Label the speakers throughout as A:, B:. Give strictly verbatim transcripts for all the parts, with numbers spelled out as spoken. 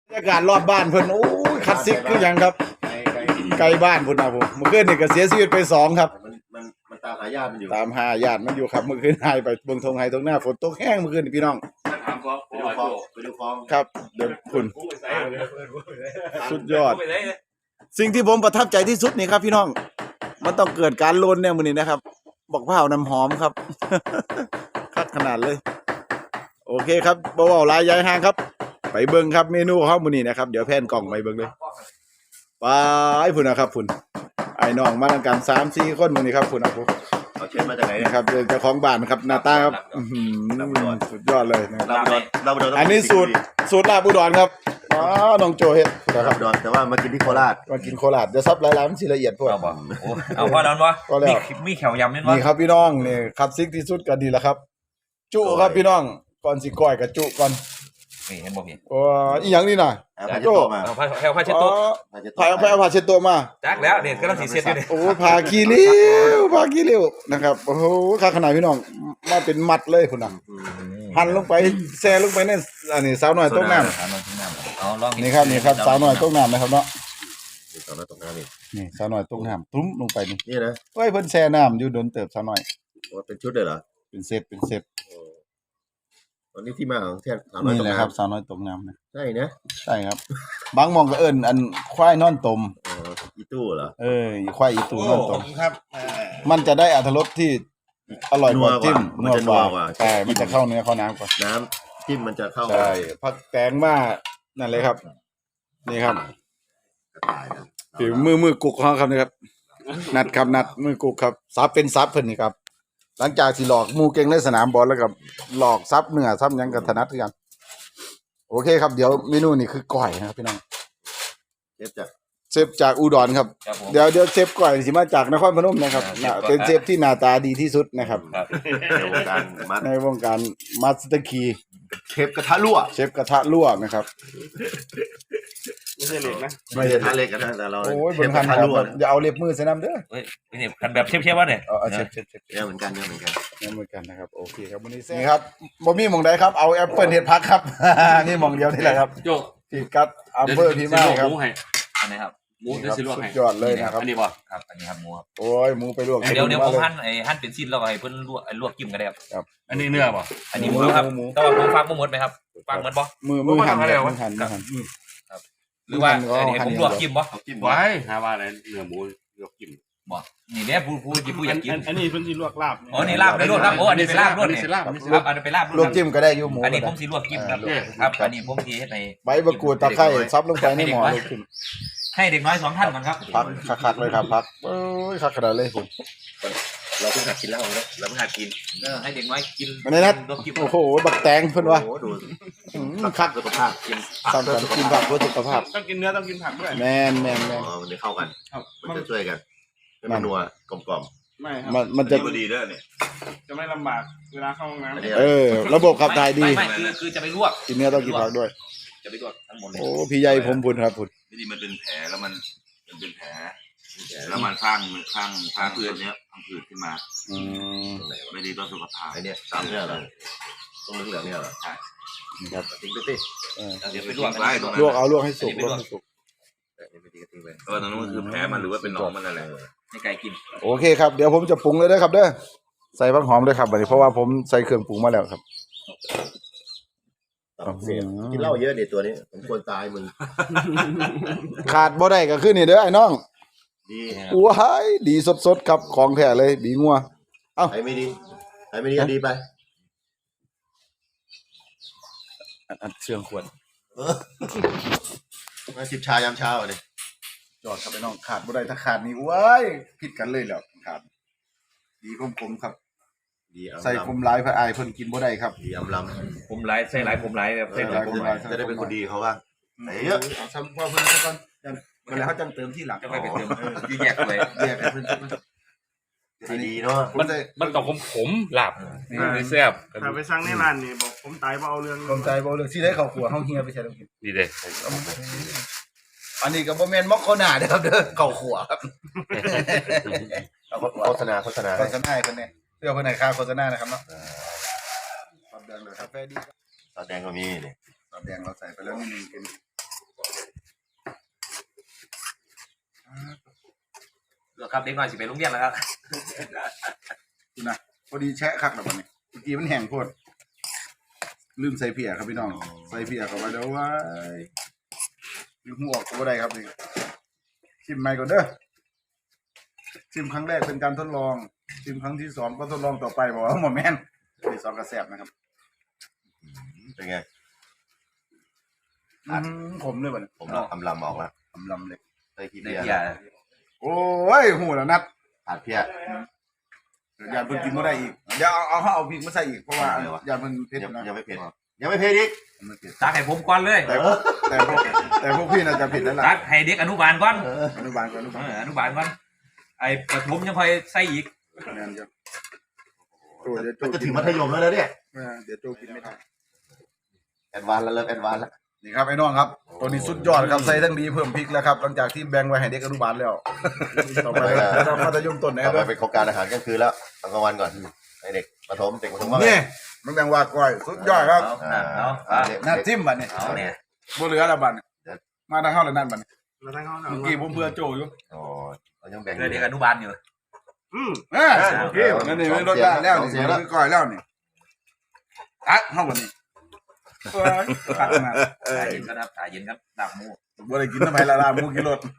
A: บรรยากาศรอบบ้านเพิ่นโอ้ยคลาสสิกคือหยังครับไกลบ้านพุ่นนะผมเมื่อคืนนี่ก็เสียชีวิตไปสองครับ
B: มันมันมันตามหาญาติมันอยู่
A: ตามหาญาติมันอยู่ครับเมื่อคืนหายไปเบิ่งทงไห้ตรงหน้าฝนตกแห้งเมื่อคืนนี่พี่น้อง
B: ไปดูคลองไปดูคลอง
A: ครับเดี๋ยวคุณสุดยอดสิ่งที่ผมประทับใจที่สุดนี่ครับพี่น้องมันต้องเกิดการโลนเนี่ยมื้อนี้นะครับบอกเผาน้ำหอมครับ คักขนาดเลยโอเคครับบ่เว้าหลายยายห่างครับไปเบิ่งครับเมนูของเฮามื้อนี้นะครับเดี๋ยวแพนกล้องไปเบิ่งเลยไปพุ่นนะครับพุ่นไอ้น้องมาด้วยกัน สามสี่ คนมื้อนี้ครับพุ่นเอาพุ่น
B: เอาเชิญมาจากไหน
A: นะครับเจ้าของบ้านครับหน้าตาครับอื้อหือสุดยอดเลยนะครับ
B: เราเรา
A: อันนี้สูตรสูตรลาบอุดรครับอ๋อน้องโจเฮ็ด
B: ค
A: นะค
B: รั
A: รั
B: บบ ดอนแต่ว่ามากินที่โคราช
A: มากินโคราชจะซับหลายๆมันสิละเอียดพวก
C: เอาบ่เอาพอแล้ววะมีมีแขวยำนี่วะ
A: นี่ครับพี่น้องนี่คลาสสิกที่สุดก็ดีแล้วครับ จุครับพี่น้องก่อนสิก้อยก็จุก่อน
C: นี่เห็นบ่พี่
A: โอ้อีหยังนี่น่ะ
B: โจ้มา
C: เอาผ้าแขวผ้าเช็ดตัว
A: พายเอาไปเอาผ้าเช็ดตัวมา
C: จักแล้วเด็ดก็ต้องสีเช็ดอยู่นี่
A: โอ้ผ้าขี้ริ้วผ้าขี้ริ้วนะครับโอ้โหค่าขนาดพี่น้องมาเป็นมัดเลยพุ่นน่ะหั่นลงไปแซ่ลงไปในอันนี้สาวน้อยต้มน้ำ
C: สาวน้อยต้มน้ำเอาลอง
A: นี่ครับนี่ครับสาวน้อยต้มน้ำนะครับเนาะ
B: สาวน้อยตกน้ำนี่
A: นี่สาวน้อยต้มน้ำตุ้มลงไปนี่
B: นี่นะ
A: เฮ้ยเพิ่นแช่น้ำอยู่โดนเติบสาวน้อย
B: เป็นชุดเลยเหรอ
A: เป็นเซตเป็นเซต
B: ตอนนี้ที่มาของแท่สาวน้อย
A: นี่
B: ตก
A: แหละครับสาว
B: น้ำ
A: น้อยต้มน้ำนะ
B: ใช่นะ
A: ใช่ครับบางหมองก็เอิ้นอันควายนอนต้ม
B: อ๋ออีตู้เหรอ
A: เออควายอีตูนอนต้มมันจะได้อรรถรสที่อร่อยกว่าจิ้มนัวกว่าใช่มันจะเข้าเนื้อเข้าน้ำกว่า
B: น้ำจิ้มมันจะเข้า
A: ใช่ผักแตงมานั่นเลยครับนี่ครับฝีมือมือกุกของเขาครับนี่ครับนัดครับนัดมือกุกครับซับเป็นซับเพิ่นนี่ครับหลังจากที่หลอกหมูเก่งในสนามบอลแล้วกับหลอกซับเนื้อซับหยังกับถนัดคือกันโอเคครับเดี๋ยวเมนูนี่คือก้อยนะครับพี่น้อง
B: เชฟจาก
A: เชฟจากอุดรครับเดี๋ยวเดี๋ยวเชฟก้อยสิมาจากนครพนมนะครับเป็นเชฟที่หน้าตาดีที่สุดนะครับ
B: ในวงการมัด
A: ในวงการมาสเตอร์คี
B: เชฟกระทะรั่ว
A: เชฟกระทะรั่วนะครับ
D: ไม่ใช่เหล็กนะ
B: ไม่ใช่กระทะเหล็กนะแต่เรา
A: โอ้ยบนคันครับอย่าเอาเล็บมือใส่น้ำเด้อ
C: เฮ้ยนี่คันแบบเชฟๆวะเนี่ย
A: เออเชฟเชฟเชฟ
B: เนี่ยเหมือนกันเนี่ยเหมือนกัน
A: เนี่ยเหมือนกันนะครับโอเคครับวันนี้นี่ครับบ่มีหม่องใดครับเอาแอปเปิลเฮ็ดพักครับนี่หม่องเดียวนี่แหละครับ
D: โจ
A: ที่กัดอัมเบอร์พี่มากครับ
C: อันนี้ครับ
D: หมูเดี๋ยวสิลวกให้
A: ยอดเลยนะครับ
C: อันนี้บ่ครับอันนี้ครับหมูครับ
A: โอ้ยหมูไปลวก
C: เดี๋ยวเดี๋ยวผมหั่นไอ้หั่นเป็นชิ้นแล้วให้เพิ่นลวกลวกจิ้มกันได้ครับ
D: อันนี้เนื้อป่ะ
C: อันนี้หมูครับแต่ว่าผมฟังบ่หมดไหมครับฟังหมดบ่
A: มือมือหั่นมือหั่นมือหั่น
C: ครับหรือว่าอันนี้ผมลวกจิ้มบ่
D: จิ้มไว้หาว่าอะไรเนื้อหมูลวกจิ้ม
C: บ่นี่แน่ผู้ผู้ผู้อยากกิน
D: อันนี้เพิ่นสิลวกลาบ
C: อ๋อนี่ลาบได้ลวกครับโอ้อันนี้เป็นลาบลวกนี่ครับอันนี้เป็นลาบ
A: ลวกจิ้มก็ได้อยู่หมู
C: อันนี้ผมสิลวกจิ้มครับครับอันนี้ผมสิเฮ็ดให้
A: ใบมะกรูดตะไคร้ซับลงไปในหม้อลวกจิ้ม
C: ให้เด็กน้อยสองท่านก่อนครับ
A: พักคักๆเลยครับพักเอ้ยคักขนาดเลยคุณ
B: เราเพิ่งหัดกินแล้วเราเราเพิ่งหัดกิน
C: เออให้เด็กน้อยกิน
A: อันนี้นะโอ้โหบักแตงเพิ่นว่า
B: โอ้ดู
A: คัก
B: สุขภาพกิน
A: สำคัญกินผักเพื่อสุขภาพ
D: ต้องกินเนื้อต้องกินผักด้วย
A: แม่นแม่นแม่น
B: อ๋อมันจะเข้ากันมันจะช่วยกันมันนัวกลม
D: ๆไม่ครับ
A: มันมันจะ
B: ดีเด้อเนี่ย
D: จะไม่ลำบากเวลาเข้าห้องน้
A: ำเออระบบขับถ่ายดี
C: ไม่คือคือจะไปลวก
A: กินเนื้อต้องกินผักด้วย
C: จะไปลวกทั้งหมดเลย
A: โอ้พี่ใหญ่ผมพุ่นครับพุ่น
B: นี่มันเป็นแผลแล้วมันมันเป็นแผลแล้วมันข้างข้างข้างเพื่อนเนี้ยข้างผืดขึ้นมา
A: อืม
B: ไม่ดีต่อสุขภาพไอ้เนี่ยตามเนี่ยเหรอตรงเหลืองเนี่ยเหรอใช่
A: ครับ
B: ทิ้งไปสิ
C: เดี๋ยวไปลวก
B: ไว้ตรงนั้น
A: ลวกเอาลวกให้สุกลวกให้สุก
B: เออตรงนั้นคือแผลมันหรือว่าเป็นหนองมันอะไร
C: ให้ไก่กิน
A: โอเคครับเดี๋ยวผมจะปรุงเลยนะครับเด้อใส่ผักหอมด้วยครับบัดนี้เพราะว่าผมใส่เครื่องปรุงมาแล้วครับ
B: กินเหล้าเยอะเนี่ยตัวนี้ผมควรตายมึง
A: ขาดบ่ได้ก็คือนี่เด้อไอ้น้อง
B: ดี
A: ว้ายดีสดๆครับของแท้เลยบีงัวเอ้า
B: ไอ้ไม่ดีไอ้ไม่ดีดีไป
A: อัดเชื่องควร
B: มาจิบชายามเช้าเลย
A: จอดครับไอ้น้องขาดบ่ได้ถ้าขาดนี่ว้ายผิดกันเลยแล้วขาดดีคมๆครับใส่คุมลายพระอายเพิ่นกินบ่ได้ครับ
B: ดีอำล
C: ำคุมลายใส่ลายคุมลายแบบใส่ลายคุมลาย
B: จะได้เป็นคนดีเขาว่าไหนเยอะ
A: เอาซ้ำพอเพิ่นก่อนเวลาเขาจังเติมที่หลัง
C: จะไปเป็นเติมที่แยกเลย
A: แยกให้เพิ่น
B: ดีเนาะ
D: มันมันต้องผมผมหลับนี่แซ่บถ้าไปสั่งในร้านนี่บอกผมตายบ่เอาเรื่อง
A: ผมตายบ่เอาเรื่องสิได้เข้าครัวเฮาเฮียไปใช้ต้องกิน
D: ดีเด้
A: อันนี้ก็บ่แม่นมอกโคนาเด้อครับเด้อเข้าครัวครับ
B: โฆษณาโฆษณา
A: โฆษณาให้เพิ่นแน่เพื่อเพิ่นให้ค่าโฆษณานะครับเนาะซอสแดงเลยกาแฟดี
B: ซอสแดงก็มีนี่
A: ซอสแดงเราใส่ไปแล้วนิดนึงเป็น
C: แล้วครับเด็กน้อยสิไปโรงเรียนแล้วครับ
A: คุณนะพอดีแชะคักแล้วบัดนี้เมื่อกี้มันแห้งโคตรลืมใส่เพียครับพี่น้องใส่เพียเข้าไปแล้วว้ายลืมหัวออกตัวใดครับนี่ชิมใหม่ก่อนเด้อชิมครั้งแรกเป็นการทดลองชิมครั้งที่สองก็ทดลองต่อไปบอกว่าหมอแม่นที่สองกระแสบนะครับ
E: เป็นไง
A: อืมผมเลยบัดนี้
E: ผมลำลำออกแล้ว
A: ทำลำเลย
E: ใส่ขี้
C: ใน
E: เพีย
C: เบียร์
A: โอ้ยหูแล้วนัด
E: ขาดเพีย
A: อย่าเพิ่งกินไม่ได้อีกอย่าเอาเอาเอาพริกมาใส่อีกเพราะว่าอย่าเพิ่งเผ็ด
E: ยัง
A: นะ
E: ยังไม่เผ็ดยังไม่เผ็ดอีก
A: ไม่เผ็ด
C: ตักให้ผมก่อนเลย
A: แต่แต่พวกแต่พวกพี่น่าจะผิดแล้วล่ะ
C: ตักให้เด็กอนุบาลก่อน
A: อนุบาลก่อนอนุบาล
C: เอออนุบาลก่อนไอ้ประถมยังค่อยใส่อีก
A: คะแนนเยอะโอ้เดี๋ยวโจ
E: มันจะ
A: กิ
E: ถึ
A: น
E: งมัธยมแล้วนะเนี่ย
A: เออเดี๋ยวโจกินไม่ได้
E: แอดวานซ์แล้วเริ่มแอดวานซ์แล้ว
A: นี่ครับไอ้น้องครับตัวนี้สุดยอดครับใส่ทั้งดีเพิ่มพริกแล้วครับหลังจากที่แบ่งไว้ให้เด็กอนุบาลแล้วต่อไปเรามัธยมต้นนะค
E: ต่
A: รั
E: อบ ไปเป็นโครงการอาหารกลางคืนแล้วตอนกลางวันก่อนให้เด็กประถมเด็กประถมว่าไง
A: นี่มันแบ่งว่าก้อยสุดยอดครับ
C: เอาเอาเอา
E: เด็ก
A: น้าจิ้มบัดนี้
C: เอาเนี่ย
A: บ่เหลือแล้วบัดนี้มาทางเข้าแล้วนั่นบัดนี้
D: แล้วทั้งเขา
A: เมื่อกี้ผมเพื่อโจอยู่
E: อ๋อเรายังแบ่ง
C: เพื่อเด็กอนุบาลอยู่
D: อืม
A: อ่าโอเคนั่นนี่ไม่ลดได้แล้วนี่คือก้อยแล้วนี่ตัดเข้าบัดนี้เอ้ยตัดมา
C: ถ่ายเย็นก็ครับถ่ายเย็นครับดับหมู
A: บ่ได้กินทำไมละลาหมูกินรถ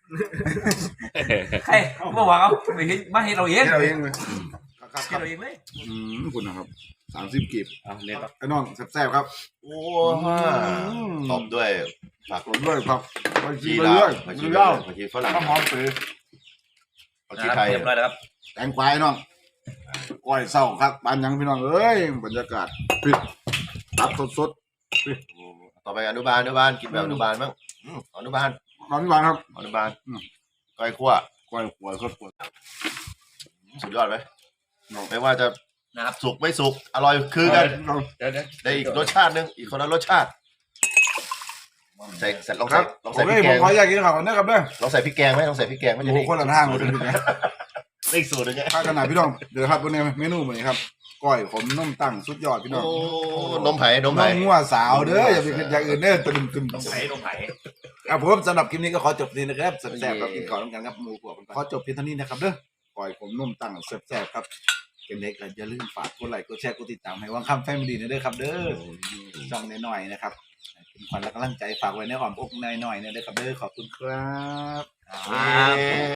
C: ใครเมื่อวานเอาไม่เห็นมาเห็นเราเอง
A: ให้เราเองเลย
C: เห็นเราเองเลย
A: อืมคุณนะครับสามสิบกีบ
C: เอาเนี่ยครับ
A: ไอ้น้องแซ่บๆครับ
E: โอ้ตบด้วยผัก
A: ผมด้วยครับไปกิ
E: ชี
A: นไป
E: ลา
A: เรื่อย
E: ผัก
A: ไป
E: ชี
A: เรื่อย
E: ผักชีฝรั่ง
A: ข้าวหอมเปื่อย
E: ผักชีไทย
C: เรียบร้อยแล้วครับ
A: แตงกวาไอ้น้องก้อยเศร้าครับปานยังพี่น้องเอ้ยบรรยากาศปิดตับสด
E: ต่อไปอนุบาลอนุบาลกินแบบอนุบาลบ้างอืมอนุบาล
A: ๆน้องพี่บานครับ
E: อนุบาล
A: อืม
E: ก้อยคั่ว
A: ก้อยหัวครับหัว
E: สุดยอดไหมไม่ว่าจะ
C: นะครับ
E: สุกไม่สุกอร่อยคือกัน
A: เรา
C: เดี๋ยวเดี๋ยว
E: ได้อีกรสชาติหนึงอีกคนละรสชาติใส่ใส่ลอง
A: ครั
E: ใส่
A: บ
E: ลอง
A: โอ
E: ใส่พ
A: เค
E: ริก
A: ผ
E: แก
A: ม
E: ง
A: ขออยากกินข้าวกันนะครับเด้อ
E: ลองใส่พริกแกงไหมลองใส่พริกแกงมัน
A: โอ้
E: จะ
A: โห
E: ได้
A: คนละทางเลยเป็นไง
E: อีกสูตรหนึงไง
A: ข้าวขนาดพี่น้องเดี๋ยวครับวันนี้เมนูวันนี้ครับก้อยผมนุ่มตั้งสุดยอดพี่น้อง
E: โอ้นมไผ่นม
A: น้
E: ไผ่
A: องงัวสาวเด้ออย่าไปคิดอย่างอื่นเด้อตึมตึม
C: ต้องไผ่ต้องไผ่
A: ครับผมสำหรับคลิปนี้ก็ขอจบนี้นะครับแซ่บๆครับกินข้าวน้ำกันครับหมูพวกกันขอจบเพียงเท่านี้นะครับเด้อก้อยผมนุ่มตั้งแซ่บๆครับเป็นเล็กอย่าลืมฝากกดไลค์กดแชร์กดติดตามให้วังคำแฟมิลี่นะเด้อครับเด้อช่องน้อยๆนะครับเป็นขวัญและกำลังใจฝากไว้ในอ้อมอกน้อยๆนะเด้อครับเด้อขอบคุณครับ
E: เย้